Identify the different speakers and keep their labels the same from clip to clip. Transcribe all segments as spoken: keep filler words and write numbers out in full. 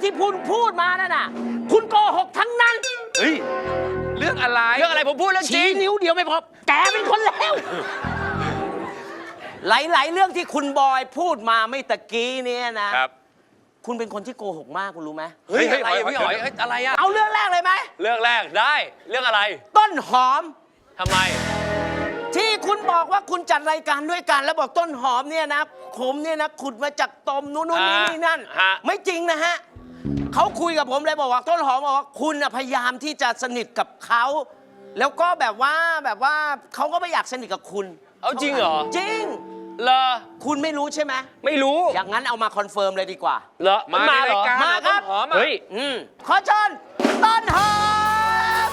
Speaker 1: ที่พูดพูดมานั่นน่ะคุณโกหกทั้งนั้นเฮ้ย
Speaker 2: เรื่องอะไร
Speaker 3: เรื่องอะไรผมพูดเรื่องจริง
Speaker 1: ชี้นิ้วเดียวไม่พอแกเป็นคนเลวหลายๆเรื่องที่คุณบอยพูดมาไม่ตะกี้เนี่ยนะครับคุณเป็นคนที่โกหกมากคุณรู้ไหม
Speaker 3: เฮ้ยอะไรพี่หอยอะไรอะ
Speaker 1: เอาเรื่องแรกเลยไหม
Speaker 3: เรื่องแรกได้เรื่องอะไร
Speaker 1: ต้นหอม
Speaker 3: ทำไม
Speaker 1: ที่คุณบอกว่าคุณจัดรายการด้วยกันแล้วบอกต้นหอมเนี่ยนะผมเนี่ยนะขุดมาจากตมนู้นนี่นี่นั่นไม่จริงนะฮะเขาคุยกับผมเลยบอกว่าต้นหอมบอกว่าคุณพยายามที่จะสนิทกับเขาแล้วก็แบบว่าแบบว่าเขาก็ไม่อยากสนิทกับคุณ
Speaker 3: เอาจริงเหรอ
Speaker 1: จริง
Speaker 3: เหรอ
Speaker 1: คุณไม่รู้ใช่ไหม
Speaker 3: ไม่รู้
Speaker 1: อย่างนั้นเอามาคอนเฟิร์มเลยดีกว่า
Speaker 3: เหรอ
Speaker 2: มาในรายการ
Speaker 1: มาครับ
Speaker 3: เฮ้ย
Speaker 1: ขอเชิญต้นหอม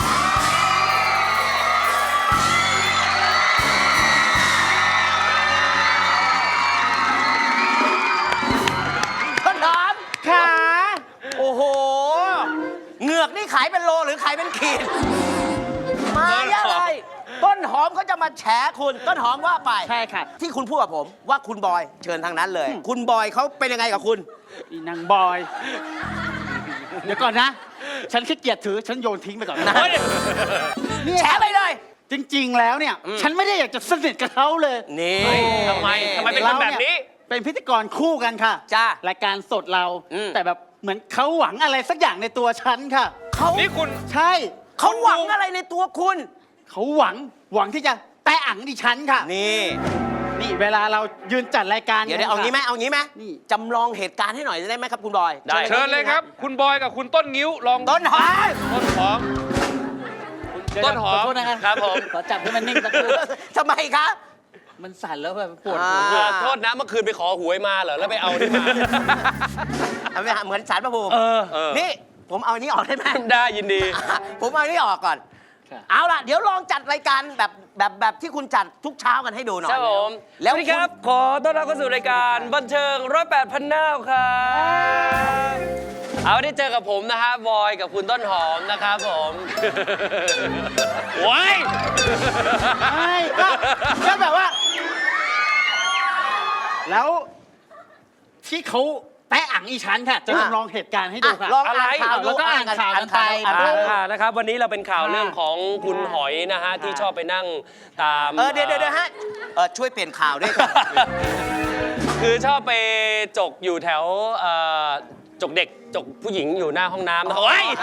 Speaker 1: ต้นหอมค่ะโอ้โหเหงือกนี่ขายเป็นโลหรือขายเป็นขีดมาเยอะเลยต้นหอมเขาจะมาแฉคุณต้นหอมว่าไป
Speaker 4: ใช่ค่ะ
Speaker 1: ที่คุณพูดกับผมว่าคุณบอยเชิญทางนั้นเลยคุณบอยเขาเป็นยังไงกับคุณ
Speaker 4: อีนางบอยเดี๋ยวก่อนนะฉันขี้เกียจถือฉันโยนทิ้งไปก่อนนะ
Speaker 1: แฉไปเลย
Speaker 4: จริงๆแล้วเนี่ยฉันไม่ได้อยากจะสนิทกับเขาเลย
Speaker 1: นี่
Speaker 3: ทำไมทำไมเป็นคนแบบนี้
Speaker 4: เป็นพิธีกรคู่กันค่ะ
Speaker 1: จ้าร
Speaker 4: ายการสดเราแต่แบบเหมือนเขาหวังอะไรสักอย่างในตัวฉันค่ะ
Speaker 1: เขา
Speaker 2: นี่คุณ
Speaker 4: ใช่
Speaker 1: เขาหวังอะไรในตัวคุณ
Speaker 4: เขาหวังหวังที่จะแตะอังดิฉันค่ะ
Speaker 1: นี่
Speaker 4: นี่เวลาเรายืนจัดรายการ
Speaker 1: เดี๋ยวเอางี้ไหมเอางี้ไหมจำลองเหตุการณ์ให้หน่อยได้ไหมครับคุณบอย
Speaker 2: ได้เชิญเลยครับคุณบอยกับคุณต้นงิ้วลอง
Speaker 1: ต้นหอม
Speaker 2: ต้นหอมต้นหอม
Speaker 4: ขอโทษนะครับผมขอจับให้มันนิ่งสักครู่
Speaker 1: ทำไมครับ
Speaker 4: มันสั่นแล้วแบบปวด
Speaker 3: หัวโทษนะเมื่อคืนไปขอหวยมาเหรอแล้วไปเอานี่มา
Speaker 1: เหมือนสารพระภูมินี่ผมเอานี้ออกได้ไหม
Speaker 3: ได้ยินดี
Speaker 1: ผมเอานี้ออกก่อนเอาล่ะเดี๋ยวลองจัดรายการแบบแบบแบบที่คุณจัดทุกเช้ากันให้ดูหน่อย
Speaker 3: ครับผมแล้วครับขอต้อนรับเข้าสู่รายการบันเทิงร้อยแปดพันน้าครับเอาได้เจอกับผมนะฮะบอยกับคุณต้นหอมนะครับผมว้าย
Speaker 4: ไม่ก็ก็แบบว่าแล้วที่เขาแตะอังอีฉันค่ะจะจำลองเหตุการณ์ให้ดูค่ะ
Speaker 1: อะไร
Speaker 4: แล้วก็อ่านข่าวกันไป
Speaker 3: นะครับวันนี้เราเป็นข่าวเรื่องของคุณหอยนะฮะที่ชอบไปนั่งตาม
Speaker 1: เออเดี๋ยวเดี๋ยวฮะช่วยเปลี่ยนข่าวด้วย
Speaker 3: คือชอบไปจกอยู่แถวจกเด็กจกผู้หญิงอยู่หน้าห้องน้ำนะเฮ้ย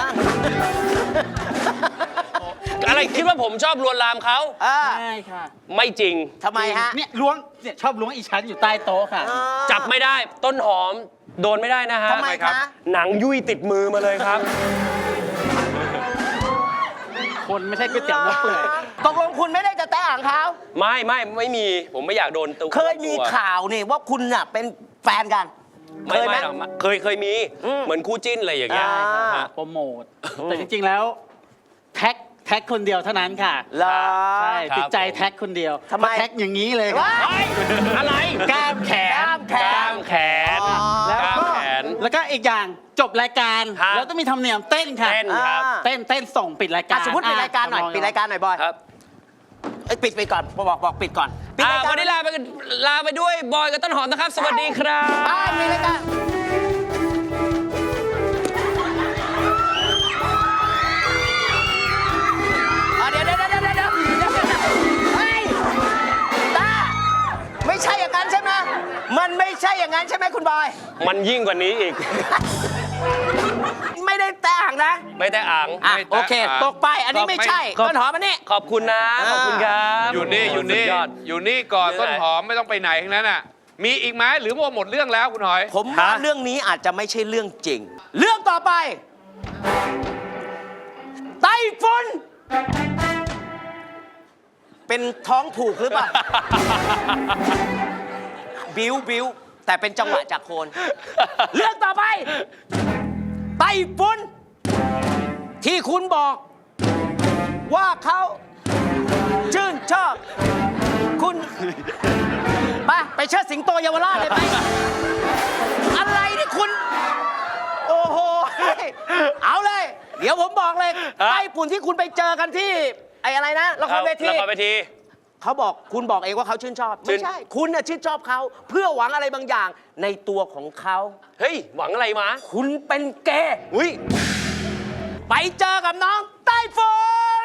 Speaker 3: อะไรคิดว่าผมชอบลวนลามเขา
Speaker 4: ใช่ค่ะ
Speaker 3: ไม่จริง
Speaker 1: ทำไมฮะ
Speaker 4: เนี่ยล้วงเนี่ยชอบล้วงอีฉันอยู่ใต้โต๊ะค่ะ
Speaker 3: จับไม่ได้ต้นหอมโดนไม่ได้นะฮะ
Speaker 1: ทำไมครับ
Speaker 3: หนังยุ่ยติดมือมาเลยครับ
Speaker 4: คนไม่ใช่ก๋วยเตี๋ยวเนื้อเปื่อย
Speaker 1: ตกลงคุณไม่ได้จะแตะอ่างเขา
Speaker 3: ไม่ไม่ไม่มีผมไม่อยากโดนตัว
Speaker 1: เคยมีข่าวนี่ว่าคุณน่ะเป็นแฟนกัน
Speaker 3: เคยไหมเคยเคยมีเหมือนคู่จิ้นอะไรอย่างเงี้ย
Speaker 4: โปรโมทแต่จริงๆแล้วแท็กแท็กคนเดียวเท่านั้นค่ะใช่ติดใจแท็กคนเดียว
Speaker 1: ทำไม
Speaker 4: แท็กอย่างนี้เลย
Speaker 3: อะไร
Speaker 4: กล้ามแขน
Speaker 1: กล้ามแขน
Speaker 3: กล้ามแขน
Speaker 4: แล้วก็แล้วก็อีกอย่างจบรายการแล้วต้องมีธรรมเนียมเต้นค่ะ
Speaker 3: เต้นครับ
Speaker 4: เต้นเต้นส่งปิดรายการ
Speaker 1: สมมติปิดรายการหน่อยปิดรายการหน่อยบอย
Speaker 3: ครับ
Speaker 1: ปิดไปก่อนบอกบอกปิดก่อน
Speaker 3: วันนี้ลาไปลาไปด้วยบอยกับต้นหอมนะครับสวัสดีครับ
Speaker 1: บายมีรายการเดี๋ยวเดี๋ยวเดี๋ยวเดี๋ยวเดี๋ยวเฮ้ยตาไม่ใช่อย่างนั้นใช่ไหมมันไม่ใช่อย่างนั้นใช่ไหมคุณบอย
Speaker 3: มันยิ่งกว่านี้อีก
Speaker 1: ไม่ได้แตะอ่างนะ
Speaker 3: ไม่แตะอ่าง
Speaker 1: โอเคตกไปอันนี้ไม่ใช่ต้นหอมอันนี้
Speaker 3: ขอบคุณนะขอบคุณครับ
Speaker 2: อยู่นี่อยู่นี่อยู่นี่ก่อนต้นหอมไม่ต้องไปไหนทั้งนั้นอ่ะมีอีกไหมหรือว่าหมดเรื่องแล้วคุณหอย
Speaker 1: ผมว่าเรื่องนี้อาจจะไม่ใช่เรื่องจริงเรื่องต่อไปไต้ฝุ่นเป็นท้องผูกหรือเปล่าบิ้วบิ้วแต่เป็นจังหวะจากโคนเรื่องต่อไปไต้ฝุ่นที่คุณบอกว่าเขาชื่นชอบคุณไปไปเชิดสิงโตเยาวราชเลยไปอะไรนี่คุณโอ้โหเอาเลยเดี๋ยวผมบอกเลยไต้ฝุ่นที่คุณไปเจอกันที่ไอ้อะไรนะละครเวที
Speaker 3: ละครเวที
Speaker 1: เขาบอกคุณบอกเองว่าเขาชื่นชอบ
Speaker 3: ชื่
Speaker 1: ไม่
Speaker 3: น
Speaker 1: ใช่ คุณน่ะชื่นชอบเขาเพื่อหวังอะไรบางอย่างในตัวของเขา
Speaker 3: เฮ้ย หวังอะไรมา
Speaker 1: คุณเป็นเกย์
Speaker 3: อุ้ย
Speaker 1: ไปเจอกับน้องไต้ฝุ่น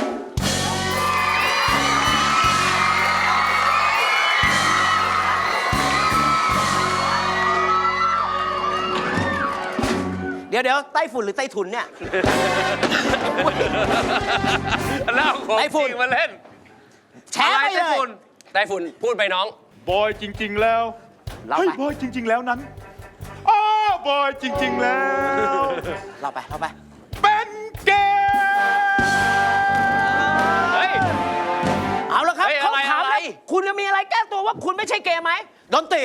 Speaker 1: เดี๋ยวเดี๋ยวไต้ฝุ่นหรือไต้ถุนเนี่ย
Speaker 2: แล้วเอาของ
Speaker 1: ไต้ฝุ่
Speaker 2: จ
Speaker 1: น
Speaker 2: ริงมาเล่น
Speaker 1: แชร์ไป
Speaker 2: อะไร
Speaker 1: เล
Speaker 2: ไต้
Speaker 1: ย
Speaker 2: ฝุ่น
Speaker 3: ไต้ฝุ่นพูดไปน้อง
Speaker 5: บอยจริง ๆ แล้ว
Speaker 1: เรา
Speaker 5: เฮ้ย
Speaker 1: ไป
Speaker 5: บอยจริง ๆ แล้วนั้นอ้อบอยจริง ๆ แล้ว
Speaker 1: เราไปเราไป
Speaker 5: เป็นเกย์
Speaker 3: เฮ้ย
Speaker 1: เอาละครับ
Speaker 3: เฮ้ย
Speaker 1: เขา
Speaker 3: อะไร
Speaker 1: ถาม
Speaker 3: อะไร
Speaker 1: แล้วคุณจะมีอะไรแก้ตัวว่าคุณไม่ใช่เกย์ไหมดนตรี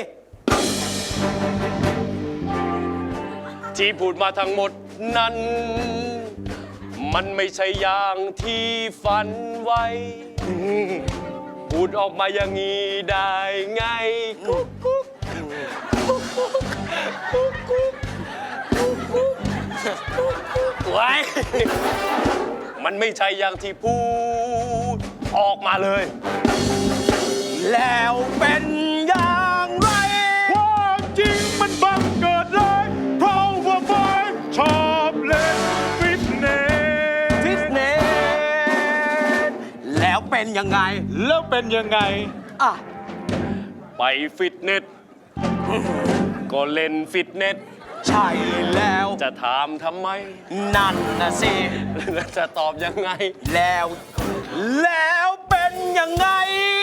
Speaker 3: ที่พูดมาทั้งหมดนั้น มันไม่ใช่อย่างที่ฝันไว้ พูดออกมาอย่างนี้ได้ไงกุ๊กกุ๊กกุ๊กกุ๊กกุ๊กกุ๊กกุ๊กกุ๊กไว้มันไม่ใช่อย่างที่พูดออกมาเลย
Speaker 1: แล้วเป็นอย่างไร
Speaker 5: ความจริงมันบังเกิดเลยเพราะว่าบอยชอบเล่นฟิตเนส
Speaker 1: ฟิตเนสแล้วเป็นยังไง
Speaker 5: แล้วเป็นยังไง
Speaker 1: อ่ะ
Speaker 3: ไปฟิตเนส ก็เล่นฟิตเนส
Speaker 1: ใช่แล้ว
Speaker 3: จะถามทำไม
Speaker 1: นั่นนะสิ
Speaker 3: จะตอบยังไง
Speaker 1: แล้ว แล้วเป็นยังไง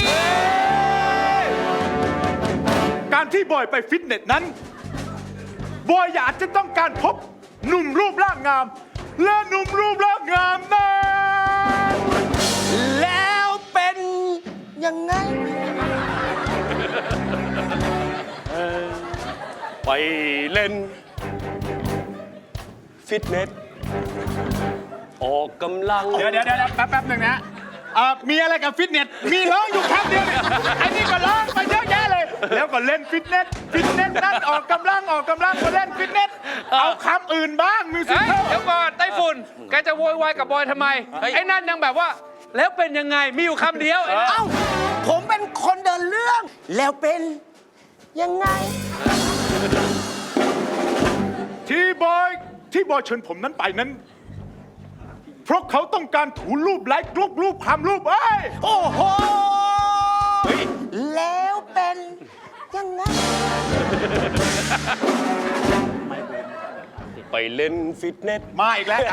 Speaker 5: การที่บอยไปฟิตเนสนั้น บอยอยากจะต้องการพบหนุ่มรูปร่างงาม และหนุ่มรูปร่างงามนั้น
Speaker 1: แล้วเป็นยังไง
Speaker 3: ไปเล่น ฟิตเนส ออกกำลัง
Speaker 5: เดี๋ยวเดี๋ยวเดี๋ยวแป๊บแป๊บหนึ่งนะเอ่อมีอะไรกับฟิตเนส มีร้องอยู่คำเดียวเนี่ยไอ้นี่ก็ร้องไปเยอะแยะเลย แล้วก็เล่นฟิตเนส ฟิตเนสนั่นออกกำลังออกกำลังก็เล่นฟิตเนส เอาคำอื่นบ้างมิวสิ
Speaker 2: เฮ้ย
Speaker 5: ค
Speaker 2: เดี๋ยวก่อนไต้ฝุ่น แกจะโวยวายกับบอยทำไม
Speaker 3: เฮ้ย
Speaker 2: ไอ้นั่นยังแบบว่า แล้วเป็นยังไง มีอยู่คำเดียวไอ้นั่น
Speaker 1: เอ้า ผมเป็นคนเดินเรื่อง แล้วเป็นยังไง
Speaker 5: ที่บอยที่บอยเชิญผมนั้นไปนั้น เพราะเขาต้องการถูรูปไลค์รูปรูปคำรูปเอ้ย
Speaker 1: โอ้โห แล้วเป็นยังไง
Speaker 3: ไปเล่นฟิตเนส
Speaker 5: มาอีกแล้วครับ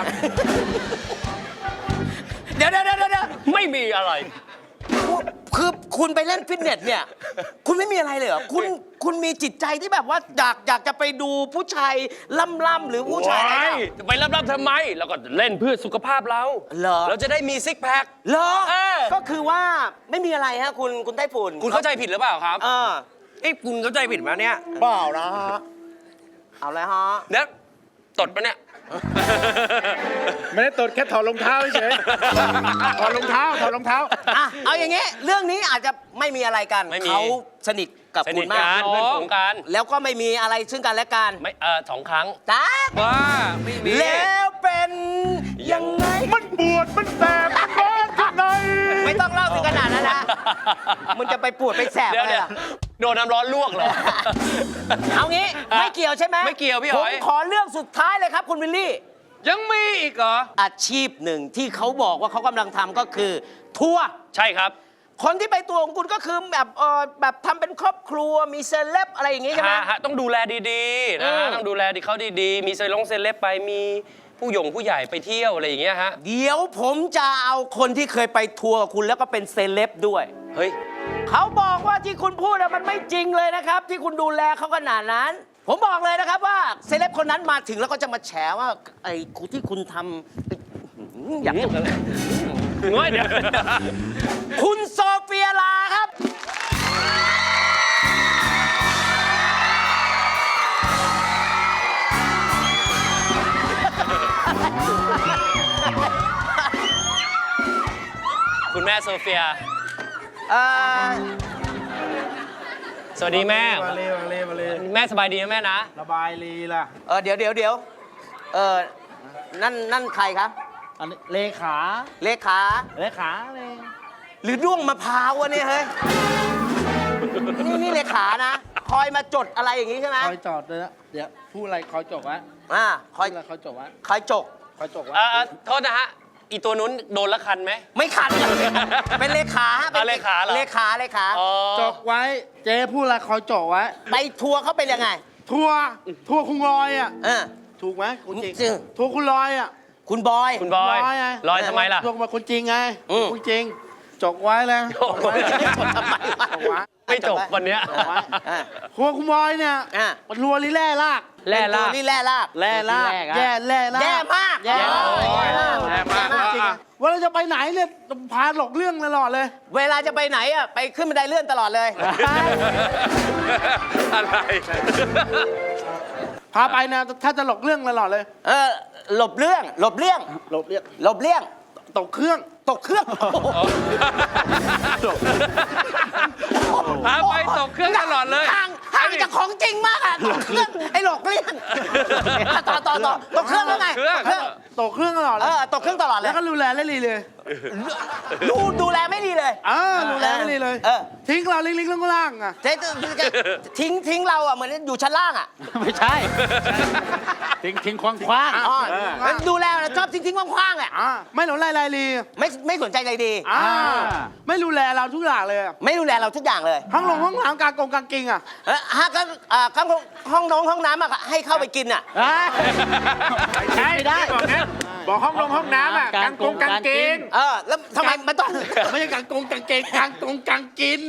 Speaker 1: เดี๋ยวเดี๋ยวเดี๋ยวเดี๋ยว
Speaker 3: ไม่มีอะไร
Speaker 1: คือคุณไปเล่นฟิตเนสเนี่ย คุณไม่มีอะไรเลยเหรอ คุณคุณมีจิตใจที่แบบว่าอยากอยากจะไปดูผู้ชายล่ำๆหรือผู้ชายอะไร
Speaker 3: ว้าย
Speaker 1: อะ
Speaker 3: จะไปรับๆทำไม แล้วก็เล่นเพื่อสุขภาพเรา
Speaker 1: เหรอ
Speaker 3: เราจะได้มีซิกแพค
Speaker 1: เหรอ
Speaker 3: เออ
Speaker 1: ก็คือว่าไม่มีอะไรฮะคุณคุณไต้ฝุ่น
Speaker 3: คุณเข้าใจผิดหรือเปล่าครับ
Speaker 1: เออ
Speaker 3: เอ้ยคุณเข้าใจผิดไหมเนี่ย
Speaker 1: เปล่านะฮะเอาเลยฮะ
Speaker 3: เนี่ยตดปะเนี่ย
Speaker 5: ไม่ได้ตดแค่ถอดรองเท้าเฉยถอดรองเท้าถอดรองเท้า
Speaker 1: อ่ะเอาอย่างงี้ เรื่องนี้อาจจะไม่มีอะไรกัน
Speaker 3: ไม่มี
Speaker 1: เขาสนิทกับ
Speaker 3: ส
Speaker 1: คุ
Speaker 3: นิ
Speaker 1: ณ
Speaker 3: ท
Speaker 1: มา
Speaker 3: กั
Speaker 1: ก
Speaker 3: นเพื่อนฝูงกัน
Speaker 1: แล้วก็ไม่มีอะไรซึ่งกันและกัน
Speaker 3: ไม่เออสองครั้ง
Speaker 1: จ้า
Speaker 2: ว่าไม่มี
Speaker 1: แล้วเป็นยังไง
Speaker 5: มันปวดมันแสบมันร้อนข้างใน
Speaker 1: ไม่ต้องเล่าถึงขนาดนั้นนะมันจะไปปวดไปแสบ
Speaker 3: เดี๋ยว
Speaker 1: อะไร
Speaker 3: เดี๋ยว
Speaker 1: ล่ะ
Speaker 3: โดนน้ำร้อนลวกเหรอ
Speaker 1: เอางี้ไม่เกี่ยวใช่ไหม
Speaker 3: ไม่เกี่ยวพี่ห
Speaker 1: ผ
Speaker 3: อย
Speaker 1: มขอเรื่องสุดท้ายเลยครับคุณวิลลี่
Speaker 2: ยังมีอีกเหรอ
Speaker 1: อาชีพหนึ่งที่เขาบอกว่าเขากำลังทำก็คือ ทัวร์
Speaker 3: ใช่ครับ
Speaker 1: คนที่ไปตัวของคุณก็คือแบบเออแบบทำเป็นครอบครัวมีเซเลบอะไรอย่างงี้ใช่ไหม
Speaker 3: ฮะฮะต้องดูแลดีๆนะฮะ
Speaker 1: อืม
Speaker 3: ต้องดูแลดีเขาดีๆ มีเซลงเซเลบไปมีผู้หยงผู้ใหญ่ไปเที่ยวอะไรอย่างเงี้ยฮะ
Speaker 1: เดี๋ยวผมจะเอาคนที่เคยไปทัวร์กับคุณแล้วก็เป็นเซเลบด้วย
Speaker 3: เฮ้ย
Speaker 1: เขาบอกว่าที่คุณพูดอะมันไม่จริงเลยนะครับ ที่คุณดูแลเขาขนาดนั้น ผมบอกเลยนะครับว่าเซเลบคนนั้นมาถึงแล้วก็จะมาแฉว่าไอ้คุณที่คุณทำไอ้อยากจะ
Speaker 3: น้อยเดี๋ยว
Speaker 1: คุณโซเฟียลาครับ
Speaker 3: คุณแม่โซเฟีย
Speaker 1: เอ่อ
Speaker 3: สวัสดีแม่
Speaker 6: มาเลยมาเลยมาเลย
Speaker 3: แม่สบายดีนะแม่นะ
Speaker 6: ระบายลีล่ะ
Speaker 1: เออเดี๋ยวเดี๋ยวเดี๋ยวเออนั่นนั่นใครครับ
Speaker 6: อันนี้เลขา
Speaker 1: เลขา
Speaker 6: เลขาเลย
Speaker 1: หรือด้วงมะพร้าววะเนี่ยเฮ้ย นี่นี่เลขานะ คอยมาจดอะไรอย่างงี้ใช่ไหม
Speaker 6: คอยจอดเลยนะเดี๋ยวพูดอะไรคอยจบไว้
Speaker 1: อ่าค
Speaker 6: พู
Speaker 1: อย
Speaker 6: ดอะไรคอยจบไว้
Speaker 1: คอยจก
Speaker 6: คอยจบไว้
Speaker 3: อ่าโทษนะฮะ อีตัวนู้นโดนละคันไหม
Speaker 1: ไม่ขัดเลยเป็นเลขาฮะเป็น
Speaker 3: อ่าเลขาเหรอ
Speaker 1: เลขาเลขา
Speaker 3: อ๋อ
Speaker 6: จบไว้ เจ๊พูดอะไรคอยจบไว้
Speaker 1: ไปทัวร์เขาเป็นยังไง
Speaker 6: ทัวร์ทัวร์คุณลอยอ่ะ
Speaker 1: เออ
Speaker 6: ถูกไหมคุณจริง
Speaker 1: จริง
Speaker 6: ทัวร์คุณลอยอ่ะ
Speaker 1: คุณบอย
Speaker 3: คุณบอย
Speaker 6: ลอยไง
Speaker 3: ลอยทำไมล่ะ
Speaker 6: ทัวร์มาคุณจริงไง
Speaker 1: อืม
Speaker 6: คุณจริงจบไว้แล้วจบไว้
Speaker 1: จดทำไมวะ
Speaker 6: จบไว้
Speaker 3: ไม่จบวันเนี้ย
Speaker 6: จบไว้
Speaker 1: อ่ะ
Speaker 6: ทัวร์คุณบอยเนี่ย
Speaker 1: อ่ะ
Speaker 6: มันทัวร์ลิแร่ลาก
Speaker 3: แร่ลาก
Speaker 1: เป็นตัวนี่แร่ลาก
Speaker 6: แร่ลาก
Speaker 4: แร่ลาก
Speaker 6: แย่แร่ลาก
Speaker 1: แย่มาก
Speaker 6: แย่
Speaker 1: โอ้ย
Speaker 2: แย่มาก
Speaker 6: จริงๆ
Speaker 2: อ่ะ
Speaker 6: เวลาจะไปไหนเนี่ยพาหลอกเรื่องตลอดเลย
Speaker 1: เวลาจะไปไหนอ่ะไปขึ้นบันไดเลื่อนตลอดเลย
Speaker 2: อะไร
Speaker 6: พาไปนะถ้าจะหลอกเรื่องตลอดเลย
Speaker 1: เออหลบเรื่องหลบเลี่ยง
Speaker 6: หลบเรียก
Speaker 1: หลบเลี่ยง
Speaker 6: ตกเครื่อง
Speaker 1: ตกเครื่อง
Speaker 2: พาไปตกเครื่องตลอดเลย
Speaker 1: ห่างห่างจากของจริงมากอ่ะตกเครื่องไอ้หลอกเลี่ยงอ่ะต่อต่อต่อตกเครื่องแล้วไง
Speaker 2: เครื่อง
Speaker 1: ตกเครื่อง
Speaker 6: ตกเครื่องตลอดเล
Speaker 1: เอย อตกเครื่องตลอดเล
Speaker 6: แล้
Speaker 1: ยว
Speaker 6: ก็ดูแลเล่นลีเลย
Speaker 1: ดูดูแลไม่ดีเลย
Speaker 6: อ่าดูแลไม่ลีเลย
Speaker 1: เออ
Speaker 6: ทิ้งเราลิงลิงล่างๆอ่ะ
Speaker 1: เจ๊จะทิ้งทิ้งเราอ่ะเหมือนอยู่ชั้นล่างอ่ะ
Speaker 4: ไม่ใช่ ทิ้งทิ้งคว้างคว้าง
Speaker 1: อ๋อแล้วดูแลชอบทิ้งทิ้งๆคว่างๆอ่ะ
Speaker 6: อ่าไม่หลงลายลายลี
Speaker 1: ไม่ไม่สนใจใจดี
Speaker 6: อ่า
Speaker 4: อ่า
Speaker 6: ไม่ดูแลเราทุกอย่างเลยอะ
Speaker 1: ไม่ดูแลเราทุกอย่างเลย
Speaker 6: ห้องลงห้องน้ำกลางกงกลางกิงอ่ะ
Speaker 1: เออฮะก็อ่าข้างห้องน้องห้องน้ำอ่ะให้เข้าไปกินอ่ะ
Speaker 4: อ่า
Speaker 6: ใช่
Speaker 4: ไม่ได้
Speaker 6: บอกนะบอกห้องลงห้องน้ำอ่ะกลางกงกลางกิง
Speaker 1: เออแล้วทำไมมันต้อง
Speaker 6: ไม่ใช่กลางกงกลางเกงกลางกงกลางกิน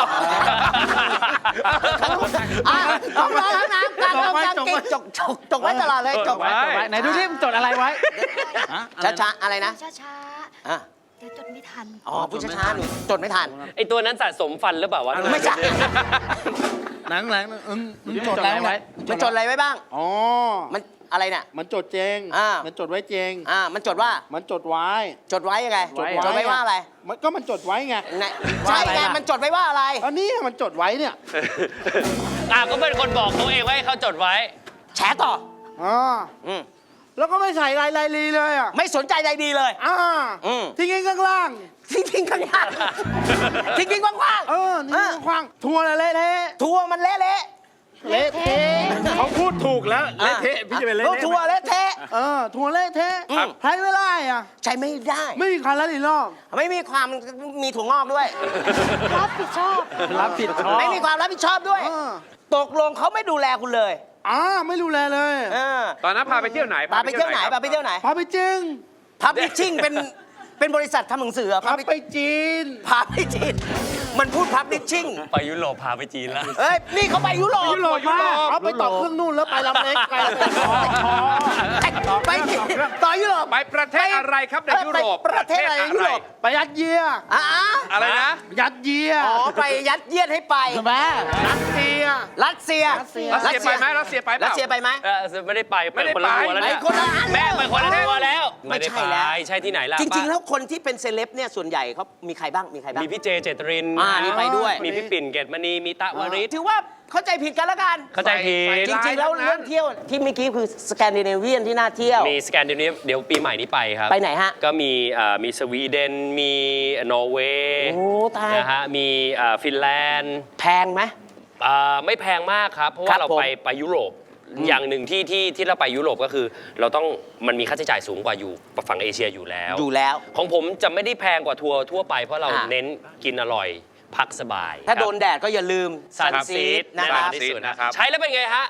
Speaker 1: อ่ะห้องน้องห้องน้ำกลางห้องกลางกินจกจกจกไว้ตลอดเลยจก
Speaker 4: ไว้จดไว้ไหนดูที่มันจดอะไรไว้ฮะอะไร
Speaker 1: ช้า
Speaker 4: นะ
Speaker 1: ช้าๆอะไรนะ
Speaker 7: ช้าช้า
Speaker 1: อ่ะ
Speaker 7: ๆเดี๋ยวจดไม่ทัน
Speaker 1: อ๋อพูดช้าช้าๆหนูจดไม่ทัน
Speaker 3: ไอตัวนั้นสะสมฟันหรือเปล่าวะ
Speaker 1: ไม่ใช่
Speaker 6: หนังหลังอืมมันจด
Speaker 4: จด
Speaker 6: อะไร
Speaker 4: อะไร
Speaker 6: ไว้
Speaker 4: ไว้
Speaker 1: มันจดอะไรไว้บ้าง
Speaker 6: อ๋อ
Speaker 1: มันอะไรเนี่ย
Speaker 6: มันจดเจง
Speaker 1: อ่ามั
Speaker 6: มันจดไว้เจง
Speaker 1: อ่ามันจดว่า
Speaker 6: มันจดไว้
Speaker 1: จดไว้ยังไง
Speaker 6: จดไว้
Speaker 1: จดไว้ว่าอะไร
Speaker 6: มันก็มันจดไว้ไง
Speaker 1: ไหนใช่ไงมันจดไว้ว่าอะไร
Speaker 6: อันนี้มันจดไว้เนี่ย
Speaker 3: อ่ะก็เป็นคนบอกตัวเองว่าให้เขาจดไว้
Speaker 1: แฉต่อ
Speaker 6: อ๋อ
Speaker 1: อืม
Speaker 6: แล้วก็ไม่ใส่ลายลายลีเลยอ่ะ
Speaker 1: ไม่สนใจใจดีเลย
Speaker 6: อ่า
Speaker 1: อืม
Speaker 6: ทิ้งข้างล่าง
Speaker 1: ทิ้งทิ้งข้างล่างทิ้งทิ้งกว้าง
Speaker 6: เออทิ้งข้างล่างทัวร์อะไรเละเทะ
Speaker 1: ๆทัวร์มันเละเละ
Speaker 6: เละเทะเขาพูดถูกแล้ว
Speaker 1: เละเทะพี่จะเป็นเละทัวร์เละเทะ
Speaker 6: เออทัวร์เละเทะ
Speaker 1: อืม
Speaker 6: ใช้ไม่ได้อ่ะ
Speaker 1: ใช้ไม่ได้
Speaker 6: ไม่มีใครแล้วอีกรอบ
Speaker 1: ไม่มีความมีถั่วงอกด้วย
Speaker 7: รับผิดชอบ
Speaker 4: รับผิดชอบ
Speaker 1: ไม่มีความรับผิดชอบด้วย
Speaker 6: เออ
Speaker 1: ตกลงเขาไม่ดูแลคุณเลย
Speaker 6: อ่าไม่ดูแลเลย
Speaker 1: เออ
Speaker 2: ตอนนั้นพาไปเที่ยวไหน
Speaker 1: พาไปเที่ยวไหน
Speaker 2: ครับ
Speaker 1: พาไปเที่ยวไหน
Speaker 6: พาไปจริง
Speaker 1: พับลิชชิ่งเป็นเป็นบริษัททำหนังสือเหรอ
Speaker 6: พาไปจีน
Speaker 1: พาไปจีนมันพูดพับลิชชิ่ง
Speaker 3: ไปยุโรปพาไปจีนแล้ว
Speaker 1: เอ้ยนี่เขาไปยุโรป
Speaker 6: ยุโรปมาเอาไปต่อเครื่องนู่นแล้วไปลำเล็กไปลำเล็กอ๋อ
Speaker 1: ไปต่อยุโรป
Speaker 2: ไปประเทศอะไรครับในยุโรป
Speaker 1: ไปประเทศอะไรในยุโรป
Speaker 6: ไปยัดเยีย
Speaker 1: อ่ะ
Speaker 2: อะไรนะ
Speaker 6: ยัดเยีย
Speaker 1: อ๋อไปยัดเยียดให้ไป
Speaker 4: ใช่ไหม
Speaker 6: รัสเซีย
Speaker 1: รัสเซีย
Speaker 2: รัสเซียไปไหมรัสเซียไปเป
Speaker 1: รัส
Speaker 2: ล่า
Speaker 1: เซียไปไหม
Speaker 3: เออไม่ได้ไป
Speaker 2: ไม่ได้
Speaker 3: คนละ
Speaker 2: ไป
Speaker 3: ทัวร์แล้ว
Speaker 1: ไป
Speaker 3: เนี่ย
Speaker 1: คนละอัน
Speaker 3: แม่ไปคนละทัวร์แล้ว
Speaker 1: ไม่
Speaker 3: ด้
Speaker 1: ใช่แล้ว
Speaker 3: ไปใช่ที่ไหนล่ะ
Speaker 1: จริง ๆ
Speaker 3: ป้า
Speaker 1: แล้วคนที่เป็นเซเลบเนี่ยส่วนใหญ่เขามีใครบ้างมีใครบ้าง
Speaker 3: มีพี่เจเจตริน
Speaker 1: อ่านี่ไปด้วย
Speaker 3: มีพี่ปิ่นเกตมณีมีตะวริศ
Speaker 1: ถือว่าเข้าใจผิดกันแล้วกัน
Speaker 3: เข้าใจผิด
Speaker 1: จริง ๆ แล้วเรื่องเที่ยวที่เมื่อกี้คือสแกนดิเนเวียนที่น่าเที่ยว
Speaker 3: มีสแกนดิเนเวียเดี๋ยวปีใหม่นี้ไปครับ
Speaker 1: ไปไหนฮะ
Speaker 3: ก็มีเอ่อมีสวีเดน มีนอร์เวย์
Speaker 1: โอ้ตาย
Speaker 3: นะฮะมีเอ่อฟินแลนด์
Speaker 1: แพงไหม
Speaker 3: เอ่อไม่แพงมากครับ เพราะ
Speaker 1: ครั
Speaker 3: ว่า
Speaker 1: บ
Speaker 3: เรา
Speaker 1: ผม
Speaker 3: ไปไปยุโรปอย่างหนึ่งที่ที่ที่เราไปยุโรปก็คือ เราต้องมันมีค่าใช้จ่ายสูงกว่าอยู่ฝั่งเอเชียอยู่แล้ว
Speaker 1: อยู่แล้ว
Speaker 3: ของผมจะไม่ได้แพงกว่าทัวร์ทั่วไปเพราะเรา
Speaker 1: อ่ะ
Speaker 3: เน้นกินอร่อยพักสบาย
Speaker 1: ถ้า
Speaker 3: ครับ
Speaker 1: โดนแดดก็อย่าลืม
Speaker 3: ซัน
Speaker 1: ซัน
Speaker 3: ซี
Speaker 1: ซี
Speaker 3: ด
Speaker 1: ด
Speaker 3: นะ
Speaker 1: นะ
Speaker 3: ค
Speaker 1: ค
Speaker 3: รั
Speaker 1: รั
Speaker 3: บบ ที่สุดนะครับ ใช้แล้วเป็นไงฮะ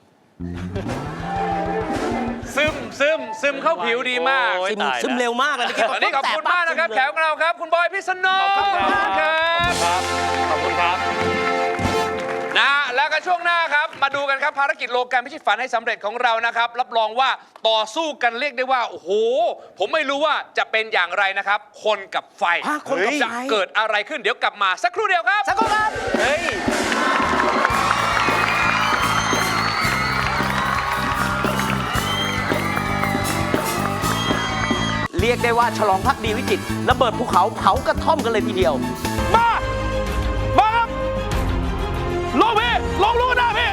Speaker 2: ซึมซึมซึมเข้าผิวดีมาก
Speaker 3: โอ้ย
Speaker 1: ซึม
Speaker 3: ตายแล้ว
Speaker 1: ซึมเร็วมากเลยเมื่อกี้
Speaker 2: วันนี้ขอบคุณมากนะครับแขกของเราครับ คุณบอยพิษณุ
Speaker 3: ขอบคุณครับ
Speaker 2: ครับ
Speaker 3: ขอบคุณครับ
Speaker 2: นะฮะแล้วก็ช่วงหน้าครับ มาดูกันครับภารกิจโลกันพิชิตฝันให้สำเร็จของเรานะครับ รับรองว่าต่อสู้กันเรียกได้ว่า โอ้โห ผมไม่รู้ว่าจะเป็นอย่างไรนะครับ คนกับไฟ
Speaker 1: ฮะคนกับไฟ
Speaker 2: จะเกิดอะไรขึ้นเดี๋ยวกลับมาสักครู่เดียวครับ
Speaker 1: สักครู่ครับ
Speaker 3: เฮ้ย
Speaker 1: เรียกได้ว่าฉลองพักดีวิจิตรระเบิดภูเขาเผากระท่อมกันเลยทีเดียว
Speaker 5: มา มาครับ ลงพี่ ลงลูกหน้าพี่